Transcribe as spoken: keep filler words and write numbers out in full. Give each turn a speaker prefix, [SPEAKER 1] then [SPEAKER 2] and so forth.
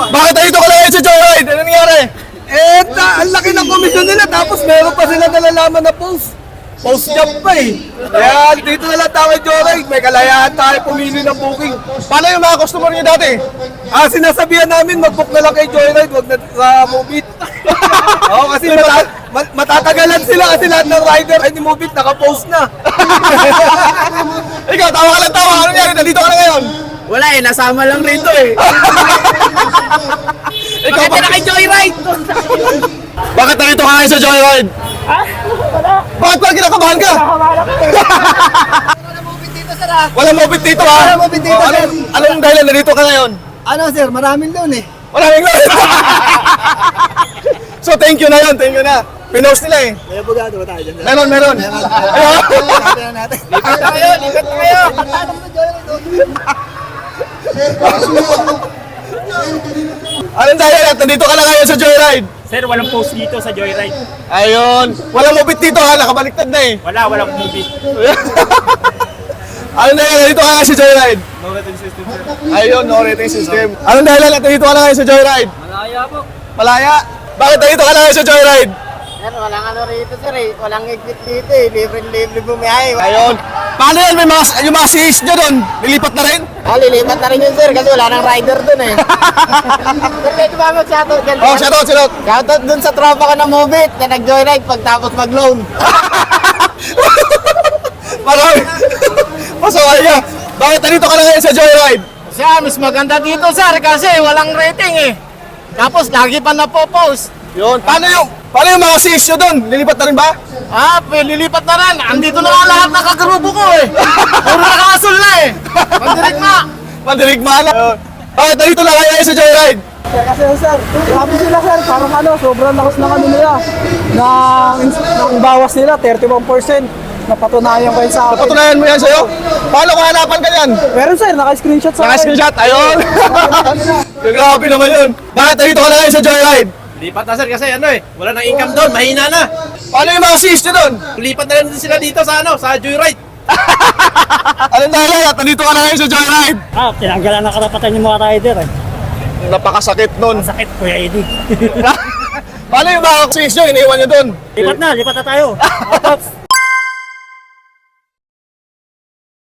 [SPEAKER 1] Bakit dito ka lang sa Joyride? Ano nangyari?
[SPEAKER 2] Eh, ta- ang laki ng komisyon nila tapos meron pa sila nalalaman na post. Post job pa eh. Kaya dito na lang tayo Joyride. May kalayaan tayo pumili ng booking.
[SPEAKER 1] Paano yung mga customer niyo dati?
[SPEAKER 2] Ah, sinasabihan namin mag-book na lang kay Joyride, wag na sa Mobit. Oo, kasi mata- ma- matatagalan sila kasi lahat ng rider ay ni Mobit naka-post na.
[SPEAKER 1] Ikaw, tawa ka lang tawa. Ano nangyari? Nandito ka na ngayon.
[SPEAKER 2] Wala eh, nasama lang rito eh.
[SPEAKER 1] Ikaw ba?
[SPEAKER 2] kay Joyride?
[SPEAKER 1] Bakit nandito ka ngayon sa Joyride?
[SPEAKER 3] Ha? Wala.
[SPEAKER 1] Bakit parang kinakabahan ka?
[SPEAKER 3] Nakamalak ka.
[SPEAKER 1] Walang mobit dito ha?
[SPEAKER 2] Walang mobit dito,
[SPEAKER 1] Oh,
[SPEAKER 2] sir.
[SPEAKER 1] anong, anong dahilan nandito ka ngayon?
[SPEAKER 2] Ano sir, maraming loan eh.
[SPEAKER 1] Maraming lang. So thank you na yun, thank you na. Pinost nila eh.
[SPEAKER 2] May abogado ba tayo dyan?
[SPEAKER 1] Meron, meron. Ayun.
[SPEAKER 2] Lipat natin. Lipat tayo, lipat tayo.
[SPEAKER 1] Anong dahilan? Nandito ka na ngayon sa Joyride.
[SPEAKER 3] Sir, walang post dito sa Joyride.
[SPEAKER 1] Ayun. Walang mobit dito ha, nakabaliktad na eh.
[SPEAKER 3] Wala, walang movie.
[SPEAKER 1] Anong dahilan? Nandito ka nga sa Joyride.
[SPEAKER 3] No rating system, sir.
[SPEAKER 1] Ayun, no rating system. Anong dahilan? Nandito ka na ngayon sa Joyride.
[SPEAKER 2] Malaya po.
[SPEAKER 1] Malaya. Bakit nandito ka na ngayon sa Joyride?
[SPEAKER 4] Sir, walang ano rito sir eh. Walang exit dito eh. Libre-libre bumiyahe.
[SPEAKER 1] Ayun. Paano yan? May mga, yung mga C Is nyo doon, nilipat na rin?
[SPEAKER 4] Ah, lilipat na rin yun sir kasi wala nang rider dun eh. Sir, pwede ba mag-shoutout dyan?
[SPEAKER 1] Oh, shoutout, shoutout.
[SPEAKER 4] Shoutout dun sa tropa ko na Mobit na nag-joyride pagtapos mag-loan.
[SPEAKER 1] Marami. Pasaway ka. Bakit nandito ka na ngayon sa Joyride?
[SPEAKER 4] Siya, mas maganda dito sir kasi walang rating eh. Tapos lagi pa napopost.
[SPEAKER 1] Yun. Paano yung, paano yung mga C Is nyo doon? Lilipat na rin ba?
[SPEAKER 4] Ah, p- lilipat na rin. Andito na nga lahat ng kagrupo ko eh. Puro nakakasol na eh. Mandirig na.
[SPEAKER 1] Mandirigma na. Bakit nandito na kayo sa Joyride?
[SPEAKER 2] Kasi sir, grabe sila sir, parang ano, sobrang lakas ng ano nila. Ng, ng bawas nila, thirty-one percent. Napatunayan ko yun sa akin.
[SPEAKER 1] Patunayan mo yan sa'yo. Paano kung hanapan ka yan?
[SPEAKER 2] Meron sir, naka-screenshot sa akin.
[SPEAKER 1] Naka-screenshot. Ayun. Grabe naman yun. Bakit nandito ka na ngayon sa Joyride?
[SPEAKER 5] Lipat na sir kasi ano eh, wala nang income doon, mahina na.
[SPEAKER 1] Paano yung mga C Is nyo doon?
[SPEAKER 5] Lipat na lang din sila dito sa ano, sa Joyride.
[SPEAKER 1] Anong dahilan? Nandito ka na ngayon sa Joyride.
[SPEAKER 3] Ah, tinanggalan ng karapatan yung mga rider eh.
[SPEAKER 1] Napakasakit nun.
[SPEAKER 3] Sakit, Kuya Eddie.
[SPEAKER 1] Paano yung mga C Is nyo? Iniwan nyo doon?
[SPEAKER 3] Lipat na, lipat na tayo. Otops.